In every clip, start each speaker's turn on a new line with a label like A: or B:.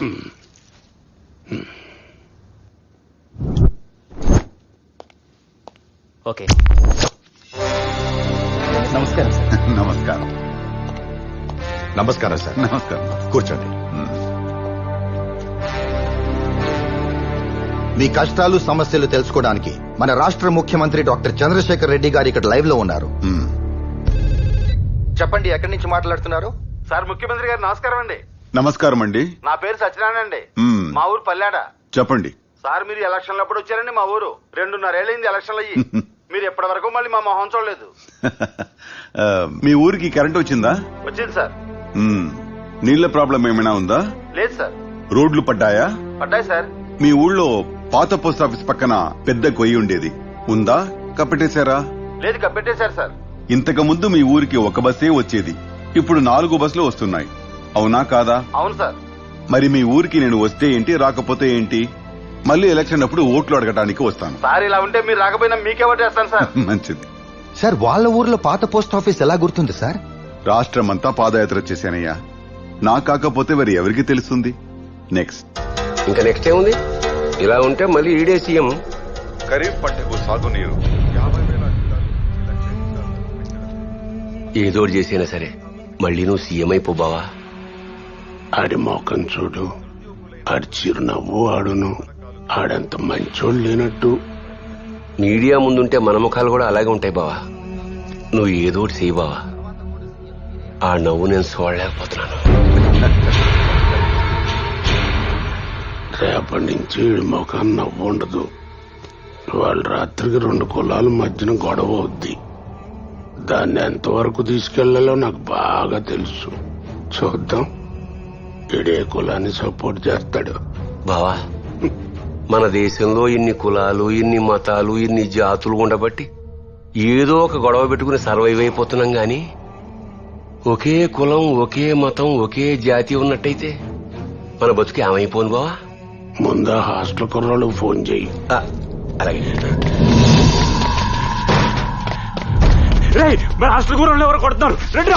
A: Okay, నమస్కారం sir.
B: నమస్కారం.
C: నమస్కారం సార్.
B: నమస్కారం.
C: కూర్చోండి.
D: మీ కష్టాలు సమస్యలు తెలుసుకోవడానికి మన రాష్ట్ర ముఖ్యమంత్రి డాక్టర్ చంద్రశేఖర్ రెడ్డి గారు ఇక్కడ లైవ్ లో ఉన్నారు. చెప్పండి, ఎక్కడి నుంచి మాట్లాడుతున్నారు?
E: సార్, ముఖ్యమంత్రి గారు నమస్కారం అండి.
B: నమస్కారం అండి.
E: నా పేరు సత్యనారాయణ అండి. మా ఊరు పల్లాడ.
B: చెప్పండి.
E: సార్, మీరు ఎలక్షన్లు అప్పుడు వచ్చారండి మా ఊరు. 2.5 ఏళ్ళైంది ఎలక్షన్లు అయ్యి. మీరు ఎప్పటి వరకు మళ్ళీ మా మొహం చూడలేదు.
B: మీ ఊరికి కరెంట్ వచ్చిందా?
E: వచ్చింది సార్.
B: నీళ్ల ప్రాబ్లం ఏమైనా ఉందా?
E: లేదు సార్.
B: రోడ్లు పడ్డాయా?
E: పడ్డాయి సార్.
B: మీ ఊళ్ళో పాత పోస్ట్ ఆఫీస్ పక్కన పెద్ద కొయ్యి ఉండేది, ఉందా? కప్పెట్టేశారా?
E: లేదు, కప్పెట్టేశారు సార్.
B: ఇంతకు ముందు మీ ఊరికి ఒక బస్సే వచ్చేది, ఇప్పుడు 4 బస్సులు వస్తున్నాయి, అవునా కాదా?
E: అవును సార్.
B: మరి మీ ఊరికి నేను వస్తే ఏంటి, రాకపోతే ఏంటి? మళ్ళీ ఎలక్షన్ అప్పుడు ఓట్లు అడగడానికి వస్తాను.
E: సార్, ఇలా ఉంటే మీరు రాకపోయినా మీకే ఓటేస్తాను సార్.
B: మంచిది
D: సార్, వాళ్ళ ఊర్లో పాత పోస్ట్ ఆఫీస్ ఎలా గుర్తుంది సార్?
B: రాష్ట్రమంతా పాదయాత్ర చేశానయ్యా, నా కాకపోతే మరి ఎవరికి తెలుస్తుంది? నెక్స్ట్
F: ఇంకా నెక్స్ట్ ఏముంది? ఇలా ఉంటే మళ్ళీ ఈడే సీఎం.
B: ఖరీఫ్ పంటకు సాగునీరు
F: ఏదోటి చేసినా సరే మళ్ళీ నువ్వు సీఎం అయిపో బావా.
G: ఆడి మోకం చూడు, ఆడి చిరునవ్వు ఆడును, ఆడంత మంచోడు లేనట్టు.
F: మీడియా ముందుంటే మన ముఖాలు కూడా అలాగే ఉంటాయి బావా. నువ్వు ఏదోటి చేయి బావా. ఆ నవ్వు నేను చూడలేకపోతున్నాను.
G: రేపటి నుంచి ఈడి ముఖం నవ్వు ఉండదు. వాళ్ళ రాత్రికి 2 కులాల మధ్యన గొడవ అవుద్ది. దాన్ని ఎంతవరకు తీసుకెళ్లాలో నాకు బాగా తెలుసు. చూద్దాం ఈడే కులాన్ని సపోర్ట్ చేస్తాడు.
F: బావా, మన దేశంలో ఇన్ని కులాలు, ఇన్ని మతాలు, ఇన్ని జాతులు ఉండబట్టి ఏదో ఒక గొడవ పెట్టుకుని సర్వైవ్ అయిపోతున్నాం గాని ఒకే కులం, ఒకే మతం, ఒకే జాతి ఉన్నట్టయితే మన బతుకు ఏమైపోను బావా.
G: ముందా హాస్టల్ కుర్రాళ్ళకు ఫోన్ చెయ్యి.
F: అలాగే.
E: మన హాస్టల్ కూరలు ఎవరు కొడుతున్నారు?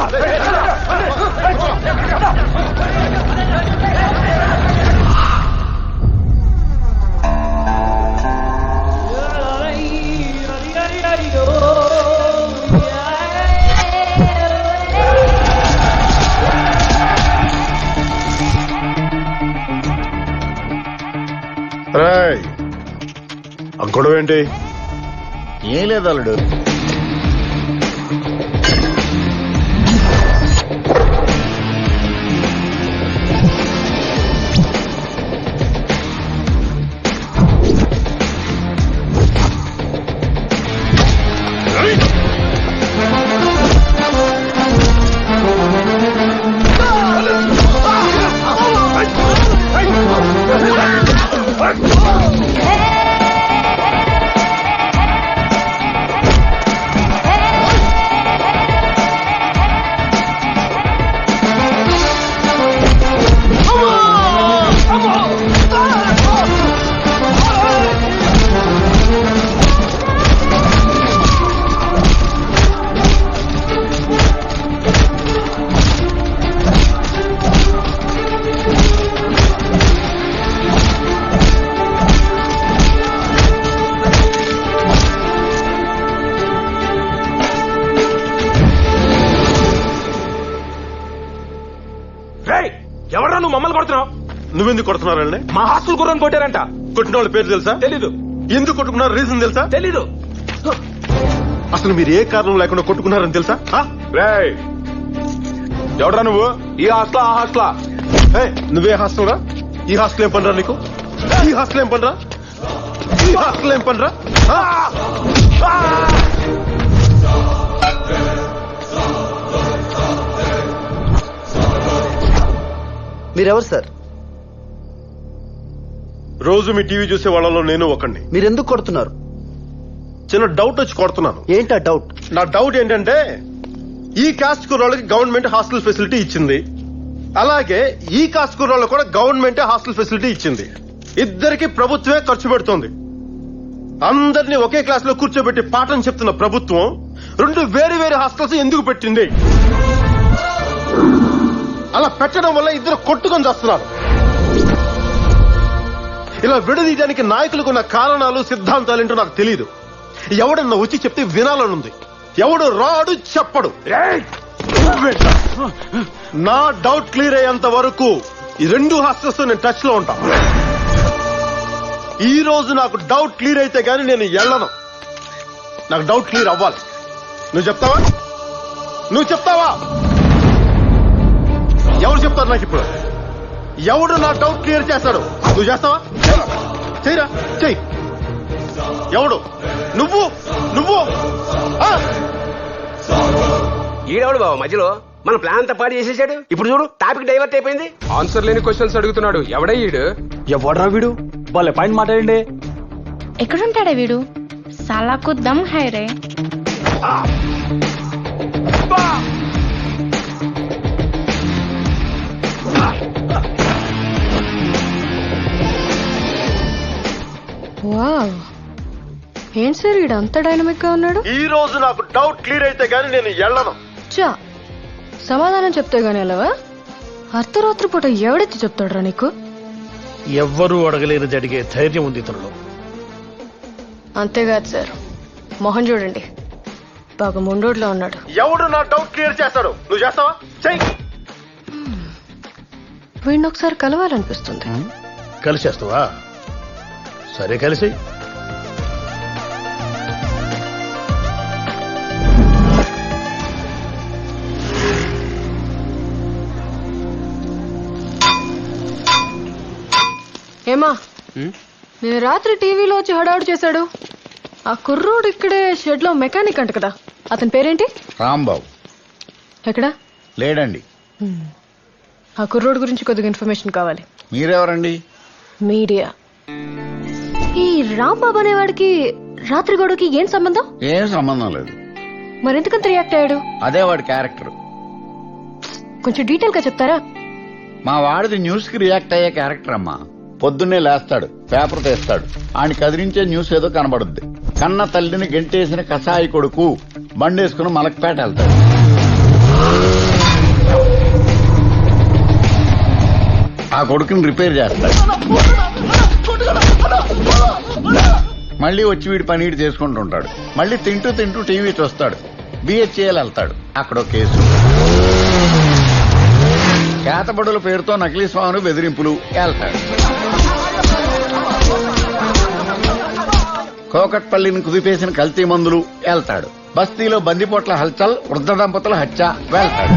C: గొడవ ఏంటి?
D: ఏం లేదు అల్లుడు.
E: ఎవరా నువ్వు మమ్మల్ని కొడుతున్నావు?
C: నువ్వెందుకు కొడుతున్నారండి?
E: మా హాస్టల్ గుర్రం కొట్టారంట.
C: కొట్టిన వాళ్ళ పేరు తెలుసా?
E: తెలీదు.
C: ఎందుకు కొట్టుకున్నారు రీజన్ తెలుసా?
E: తెలీదు.
C: అసలు మీరు ఏ కారణం లేకుండా కొట్టుకున్నారని తెలుసా? ఎవడరా నువ్వు?
E: ఈ హాస్టల్, ఆ హాస్టల్.
C: నువ్వే హాస్టల్ రా? ఈ హాస్టల్ ఏం పనిరా నీకు? ఈ హాస్టల్ ఏం పనిరా? ఈ హాస్టల్ ఏం పనిరా?
H: మీరెవరు సార్?
C: రోజు మీ టీవీ చూసే వాళ్ళలో నేను ఒకడిని.
H: మీరెందుకు కొడుతున్నారు?
C: చిన్న డౌట్ వచ్చి కొడుతున్నాను.
H: ఏంటా డౌట్?
C: నా డౌట్ ఏంటంటే, ఈ కాస్ట్ కుర్రాళ్ళకి గవర్నమెంట్ హాస్టల్ ఫెసిలిటీ ఇచ్చింది, అలాగే ఈ కాస్ట్ కుర్రాళ్ళు కూడా గవర్నమెంట్ హాస్టల్ ఫెసిలిటీ ఇచ్చింది. ఇద్దరికి ప్రభుత్వమే ఖర్చు పెడుతోంది. అందరినీ ఒకే క్లాస్ లో కూర్చోబెట్టి పాఠం చెప్తున్న ప్రభుత్వం 2 వేరు వేరు హాస్టల్స్ ఎందుకు పెట్టింది? అలా పెట్టడం వల్ల ఇద్దరు కొట్టుకొని చేస్తున్నారు. ఇలా విడదీయడానికి నాయకులకు ఉన్న కారణాలు సిద్ధాంతాలు ఏంటో నాకు తెలియదు. ఎవడన్నా వచ్చి చెప్తే వినాలనుంది. ఎవడు రాడు చెప్పడు. నా డౌట్ క్లియర్ అయ్యేంత వరకు ఈ రెండు హాస్టల్స్ తో నేను టచ్ లో ఉంటా. ఈ రోజు నాకు డౌట్ క్లియర్ అయితే గానీ నేను వెళ్ళను. నాకు డౌట్ క్లియర్ అవ్వాలి. నువ్వు చెప్తావా? నువ్వు చెప్తావా? ఎవరు చెప్తారు నాకు ఇప్పుడు? ఎవడు నా డౌట్ క్లియర్ చేస్తాడు? నువ్వు చేస్తావా? చెయ్యరా, చెయ్యి. ఎవడు? నువ్వు నువ్వు
F: ఈడెవడు బాబు మధ్యలో మన ప్లాన్ అంతా పాడు చేసేసాడు. ఇప్పుడు చూడు టాపిక్ డైవర్ట్ అయిపోయింది.
I: ఆన్సర్ లేని క్వశ్చన్స్ అడుగుతున్నాడు. ఎవడే ఈడు?
A: ఎవడ్రా వీడు? వాళ్ళ పాయింట్ మాట్లాడండి.
J: ఎక్కడుంటాడే వీడు? సాలాకు దమ్ హై రే. వావ్, ఏంటి సార్ వీడు అంత డైనమిక్ గా ఉన్నాడు?
C: ఈ రోజు నాకు డౌట్ క్లియర్ అయితే గానీ నేను వెళ్ళను.
J: చా, సమాధానం చెప్తే గానీ వెళ్ళవా? అర్ధరాత్రి పూట ఎవడెత్తి చెప్తాడురా నీకు?
K: ఎవ్వరూ అడగలేని జరిగే ధైర్యం ఉంది ఇతరులో.
J: అంతేకాదు సార్, మొహం చూడండి, బాగా ముండోడ్లో ఉన్నాడు.
C: ఎవడు నా డౌట్ క్లియర్ చేస్తాడు? నువ్వు చేస్తావా? చెయ్యి.
J: వీడిని ఒకసారి కలవాలనిపిస్తుంది.
K: కలిసేస్తావా? సరే కలిసి.
J: ఏమా, నేను రాత్రి టీవీలో వచ్చి హడావుడు చేశాడు. ఆ కుర్రోడు ఇక్కడే షెడ్ లో మెకానిక్ అంట కదా, అతని పేరేంటి?
D: రాంబాబు.
J: ఎక్కడా?
D: లేడండి.
J: ఆ కుర్రోడు గురించి కొద్దిగా ఇన్ఫర్మేషన్ కావాలి.
D: మీరెవరండి?
J: మీడియా. ఈ రాంబాబు అనేవాడికి రాత్రి గొడవకి ఏం సంబంధం?
D: ఏం సంబంధం లేదు.
J: మరెందుకంత రియాక్ట్ అయ్యాడు?
D: అదే వాడి క్యారెక్టర్.
J: కొంచెం డీటెయిల్ గా చెప్తారా?
D: మా వాడిది న్యూస్ కి రియాక్ట్ అయ్యే క్యారెక్టర్ అమ్మా. పొద్దున్నే లేస్తాడు, పేపర్ తెస్తాడు, ఆయన కదిలించే న్యూస్ ఏదో కనబడుద్ది. కన్న తల్లిని గెంటేసిన కసాయి కొడుకు బండేసుకుని మలక్పేట వెళ్తాడు. ఆ కొడుకుని రిపేర్ చేస్తాడు. మళ్ళీ వచ్చి వీడి పని వీడు చేసుకుంటుంటాడు. మళ్ళీ తింటూ తింటూ టీవీ చూస్తాడు. బిహెచ్ఏల్ వెళ్తాడు, అక్కడో కేసు. కేతబడుల పేరుతో నకిలీ స్వాములు బెదిరింపులు వెళ్తాడు. కోకట్పల్లిని కుదిపేసిన కల్తీ మందులు వెళ్తాడు. బస్తీలో బందిపోట్ల హల్చల్, వృద్ధ దంపతుల హత్య వెళ్తాడు.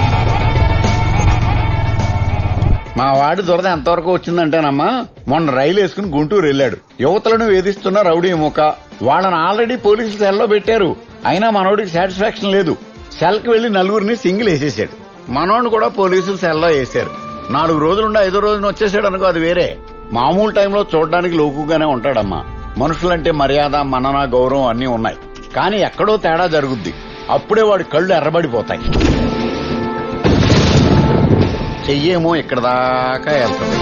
D: మా వాడి దురద ఎంతవరకు వచ్చిందంటేనమ్మా, మొన్న రైలు వేసుకుని గుంటూరు వెళ్లాడు. యువతలను వేధిస్తున్న రౌడీ ముఖ. వాళ్ళని ఆల్రెడీ పోలీసులు సెల్లో పెట్టారు. అయినా మనోడికి సాటిస్ఫాక్షన్ లేదు. సెల్కి వెళ్లి నలుగురిని సింగిల్ వేసేసాడు. మనోడిని కూడా పోలీసులు సెల్లో వేశారు. 4 రోజులుండి 5వ రోజున వచ్చేసాడు అనుకో, అది వేరే. మామూలు టైంలో చూడడానికి లోకుగానే ఉంటాడమ్మా. మనుషులంటే మర్యాద, మనన, గౌరవం అన్నీ ఉన్నాయి. కానీ ఎక్కడో తేడా జరుగుద్ది. అప్పుడే వాడి కళ్ళు ఎర్రబడిపోతాయి. చెయ్యేమో ఇక్కడ దాకా వెళ్తుంది.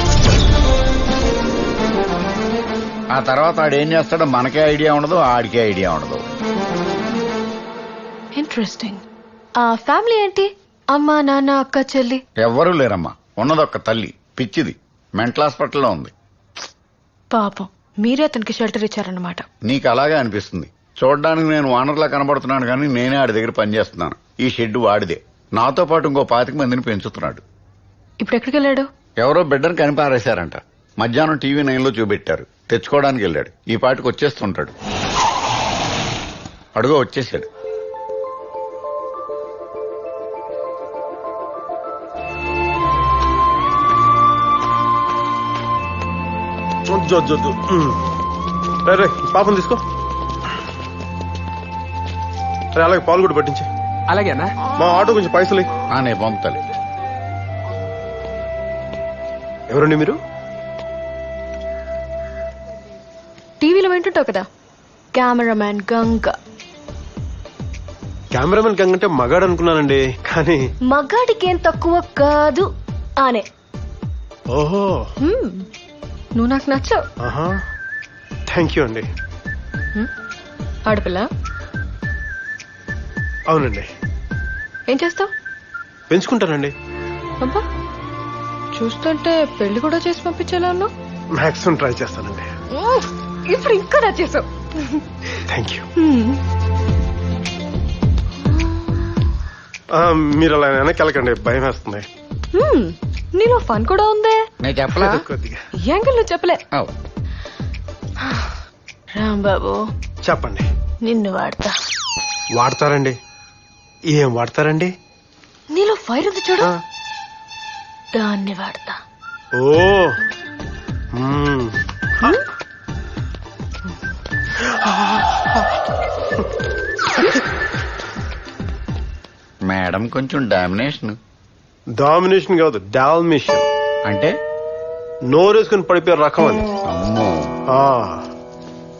D: ఆ తర్వాత ఆడేం చేస్తాడో మనకే ఐడియా ఉండదు, ఆడికే ఐడియా ఉండదు.
J: ఇంట్రెస్టింగ్. ఆ ఫ్యామిలీ ఏంటి? అమ్మ, నాన్న, అక్క, చెల్లి?
D: ఎవ్వరూ లేరమ్మా. ఉన్నదొక్క తల్లి, పిచ్చిది, మెంటల్ హాస్పిటల్లో ఉంది.
J: పాపం, మీరే అతనికి షెల్టర్ ఇచ్చారన్నమాట.
D: నీకు అలాగే అనిపిస్తుంది. చూడడానికి నేను ఓనర్లా కనబడుతున్నాను, కానీ నేనే ఆడి దగ్గర పనిచేస్తున్నాను. ఈ షెడ్ వాడిదే. నాతో పాటు ఇంకో 25 మందిని పెంచుతున్నాడు.
J: ఇప్పుడు ఎక్కడికి వెళ్ళాడు?
D: ఎవరో బిడ్డను కనిపారేశారంట. మధ్యాహ్నం టీవీ 9లో చూపెట్టారు. తెచ్చుకోవడానికి వెళ్ళాడు. ఈ పాటికి వచ్చేస్తుంటాడు. అడుగో వచ్చేసాడు.
C: పాపం తీసుకో. అలాగే పాలు కూడా పట్టించి.
I: అలాగేనా?
C: మా ఆటో కొంచెం పైసలు.
D: నేను పంపుతాను.
C: ఎవరండి మీరు?
J: టీవీలో వింటుంటావు కదా, కెమెరామ్యాన్ గంగ.
C: కెమెరామెన్ గంగ అంటే మగాడు అనుకున్నానండి, కానీ
J: మగాడికేం తక్కువ కాదు ఆనే.
C: ఓహో,
J: నువ్వు నాకు నచ్చావు.
C: థ్యాంక్ యూ అండి.
J: ఆడపిల్ల?
C: అవునండి.
J: ఏం చేస్తావు?
C: పెంచుకుంటానండి.
J: అబ్బా, చూస్తుంటే పెళ్లి కూడా చేసి పంపించేలా ఉన్నావు.
C: మాక్సిమం ట్రై చేస్తానండి.
J: ఇప్పుడు ఇంకా నచ్చేసావు.
C: Thank you. మీరు అలా వెనక్కి వెళ్ళకండి, భయం వేస్తుంది.
J: నీలో ఫన్ కూడా ఉందే.
D: నేను చెప్పలా
C: కొద్దిగా
J: ఈ యాంగిల్ నువ్వు చెప్పలే.
D: అవ్.
J: రాంబాబు
C: చెప్పండి.
J: నిన్ను వాడతా.
C: వాడతారండి? ఏం వాడతారండి?
J: నీలో ఫైర్ ఉంది చూడు, దాన్ని వాడతా.
C: ఓ
D: మేడం కొంచెం డామినేషన్.
C: డామినేషన్ కాదు, డాల్మిషన్
D: అంటే
C: నోరేసుకుని పడిపోయే రకం అని.
D: అమ్మో.